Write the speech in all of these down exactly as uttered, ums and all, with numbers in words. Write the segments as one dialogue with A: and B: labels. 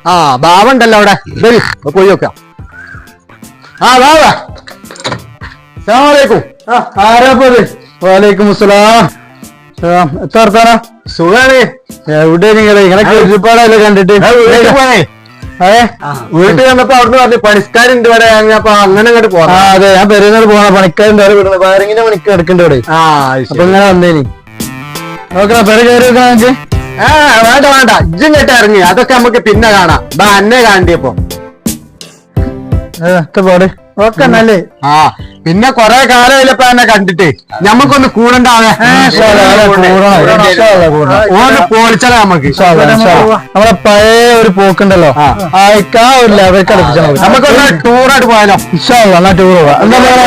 A: ആ ബാവ ഉണ്ടല്ലോ അവിടെ വരി പോയി നോക്കാം. ആ ബാവ അസ്സലാമു ആരാപ്പത്? വാലൈക്കും അസ്സലാം. എത്ര വർത്താനാ? സുഖാണ്. എവിടെ നിങ്ങള് ഇങ്ങനെ ഒരുപാടല്ലേ കണ്ടിട്ട്? അതെ വീട്ടിൽ വന്നപ്പോ അവിടുന്ന് പറഞ്ഞു പണിക്കാരുണ്ട് ഇവിടെ, അപ്പൊ അങ്ങനെ അങ്ങോട്ട് പോകാം. ആ അതെ ഞാൻ പെരുന്നാൾ പോണ പണിക്കാരുണ്ട് അവിടെ വയറിങ്ങിന്റെ പണിക്ക് എടുക്കണ്ട ഇവിടെ. ആ അപ്പൊ ഇങ്ങനെ വന്നേനി നോക്കണ പെര കയറി വെക്കാൻ നമുക്ക്. ആ വേണ്ട വേണ്ട ഇജ്ജും കേട്ട് ഇറങ്ങി, അതൊക്കെ നമുക്ക് പിന്നെ കാണാം. ബാ അന്നെ കാണ്ടിയപ്പോ പാട് ഓക്കെ നല്ലേ. ആ പിന്നെ കൊറേ കാലമില്ലപ്പോ എന്നെ കണ്ടിട്ട് ഞമ്മക്കൊന്ന് കൂടണ്ടാവേ. ഓന് പോളിച്ചാലേ നമുക്ക് നമ്മളെ പഴയ ഒരു പോക്കുണ്ടല്ലോ ആ ഒരു ലെവൽ കളിപ്പിച്ചാൽ നമുക്കൊന്ന് ടൂറായിട്ട് പോയാലോ? എന്നാ ടൂർ പോവാ.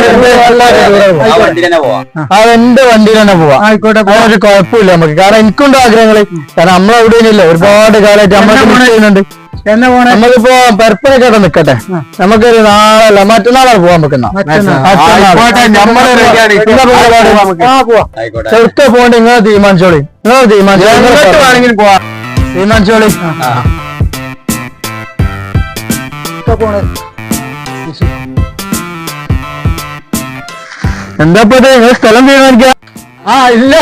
A: അതെന്റെ വണ്ടിയിൽ തന്നെ പോവാ. ആയിക്കോട്ടെ ഒരു കുഴപ്പമില്ല നമുക്ക്. കാരണം എനിക്കുണ്ട് ആഗ്രഹങ്ങള്. കാരണം നമ്മളെവിടെയില്ല ഒരുപാട് കാലമായിട്ട് നമ്മളൊക്കെ ചെയ്യുന്നുണ്ട്. എന്നാ പോണേ? നമുക്കിപ്പോ പെരപ്പനൊക്കെ നിക്കട്ടെ, നമുക്കൊരു നാളല്ല മറ്റന്നാളാണ് പോവാൻ വെക്കുന്ന. ചെറുക്കെ പോകണ്ട നിങ്ങൾ തീരുമാനിച്ചോളി. നിങ്ങൾ തീരുമാനിച്ചോളി തീരുമാനിച്ചോളി എന്താ ഇപ്പൊ നിങ്ങൾ സ്ഥലം തീരുമാനിക്കാം? ആ ഇല്ലേ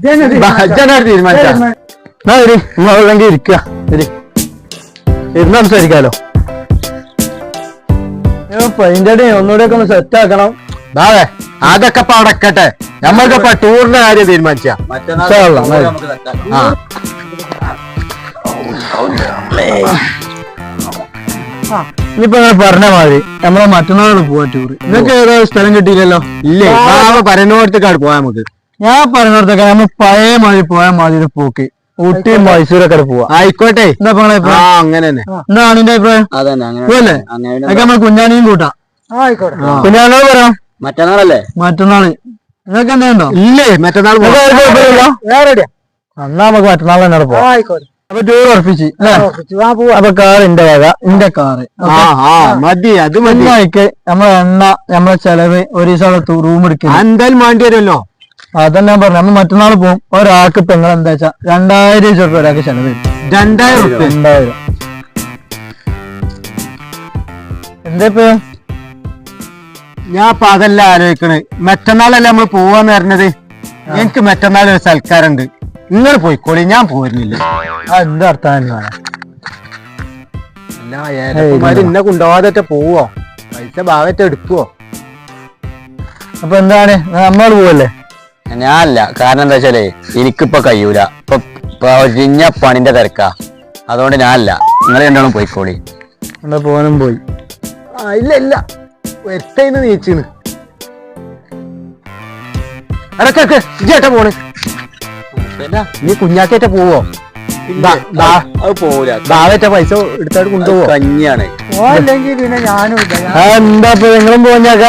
A: തീരുമാനിച്ചെങ്കിൽ ഇരിക്കുക. ശരി ഇരുന്ന് സംസാരിക്കാലോ. അതിന്റെ ഒന്നുകൂടെ ഒക്കെ ഒന്ന് സെറ്റ് ആക്കണം. അതെ അതൊക്കെ ഇപ്പൊ അടക്കട്ടെ, നമ്മൾക്കിപ്പോ ടൂറിന്റെ കാര്യം തീരുമാനിച്ച. ഇനിയിപ്പോ നിങ്ങൾ പറഞ്ഞ മാതിരി നമ്മളെ മറ്റന്നാളാണ് പോവാ ടൂറ്. നിങ്ങൾക്ക് ഏതോ സ്ഥലം കിട്ടിയില്ലല്ലോ? ഇല്ലേ പറയുന്നിടത്തേക്കാണ് പോവാ നമുക്ക്. ഞാൻ പറയുന്നിടത്തേക്കാണ് നമ്മൾ പഴയ മാതിരി പോയാൽ മാതിരി പോക്ക് ഊട്ടിയും മൈസൂരൊക്കെ പോവാ. ആയിക്കോട്ടെ എന്താ അങ്ങനെ തന്നെ. എന്താണ് നിന്റെ അഭിപ്രായം? അല്ലേ അതൊക്കെ നമ്മൾ കുഞ്ഞാണിയും കൂട്ടാം. കുഞ്ഞാനോട് പറയാം മറ്റന്നാളല്ലേ? മറ്റന്നാള് നിങ്ങൾക്ക് എന്തെയുണ്ടോ? ഇല്ലേ മറ്റന്നാൾ എന്നാ നമുക്ക് മറ്റന്നാൾ തന്നെ പോവാം. അപ്പൊ ടൂർ ഉറപ്പിച്ച് അപ്പൊ കാർ എന്റെ വക, എന്റെ കാറ് മതി. അത് മതി. നമ്മളെ എണ്ണ നമ്മളെ ചെലവ് ഒരു ദിവസം റൂം എടുക്കുക എന്തായാലും വേണ്ടി വരുമല്ലോ. അതന്നെ ഞാൻ പറഞ്ഞു. നമ്മൾ മറ്റന്നാൾ പോകും. ഒരാൾക്ക് ഇപ്പൊ നിങ്ങൾ എന്താ വെച്ചാ രണ്ടായിരം രൂപ ഒരാൾക്ക് ചെലവ് വരും. രണ്ടായിരം രണ്ടായിരം എന്താ ഇപ്പൊ ഞാൻ ഇപ്പൊ അതല്ല ആലോചിക്കണേ. മറ്റന്നാളല്ലേ നമ്മൾ പോവാന്ന് പറഞ്ഞത്. എനിക്ക് മറ്റന്നാൾ ഒരു സൽക്കാരുണ്ട്. നിങ്ങൾ പോയിക്കോളി, ഞാൻ പോരുന്നില്ല. ആ എന്താ അർത്ഥം തന്നെയാണ്? അല്ല ഇന്നെ കൊണ്ടുപോകാതെ പോവോ? പൈസ ഭാഗത്ത് എടുക്കുവോ? അപ്പൊ എന്താണ് നമ്മൾ പോവല്ലേ?
B: ഞാനല്ല. കാരണം എന്താ വെച്ചാലേ എനിക്കിപ്പൊ കഴിയൂല. ഇപ്പൊ ഒഴിഞ്ഞ പണിന്റെ തിരക്കാ. അതുകൊണ്ട് ഞാനല്ല. നിങ്ങൾ രണ്ടാളും പോയിക്കോളി.
A: എന്നാ പോകാനും പോയി. ആ ഇല്ല ഇല്ല വെറ്റയിന്ന് നീച്ചിന് അടക്കൊക്കെ ഇജ്ജേട്ട പോണ്. നീ കുഞ്ഞാക്കേറ്റ പോവോ? ബാവേറ്റ പൈസ എടുത്തായിട്ട് കൊണ്ടുപോവോ?
B: കഞ്ഞിയാണ്.
A: അല്ലെങ്കിൽ പിന്നെ ഞാനും എന്താ ഇപ്പൊ നിങ്ങളും പോഞ്ഞാക്ക?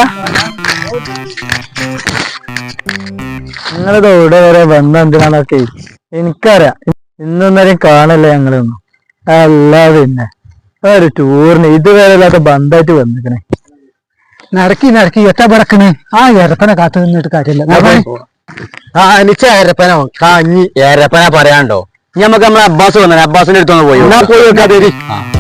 A: നിങ്ങളിത് ഇവിടെ വരെ ബന്ധം എന്തിനാന്നൊക്കെ എനിക്കറിയാം. ഇന്നൊന്നേരം കാണല്ലേ ഞങ്ങളൊന്നും. അല്ലാതെ പിന്നെ ഒരു ടൂറിന് ഇതുവരെ അല്ലാത്ത ബന്ധമായിട്ട് വന്നിക്കണേ. നടക്കി നടക്കി എത്ര പടക്കണേ. ആ എരപ്പന കാത്തു നിന്നിട്ട് കാര്യമില്ല. ആ എനിക്ക് എരപ്പനോ കാഞ്ഞി
B: എരപ്പന പറയാണ്ടോ? നമുക്ക് നമ്മളെ അബ്ബാസ് വന്നെ. അബ്ബാസിന്റെ അടുത്തൊന്ന് പോയി
A: പോയി വെക്കാതെ.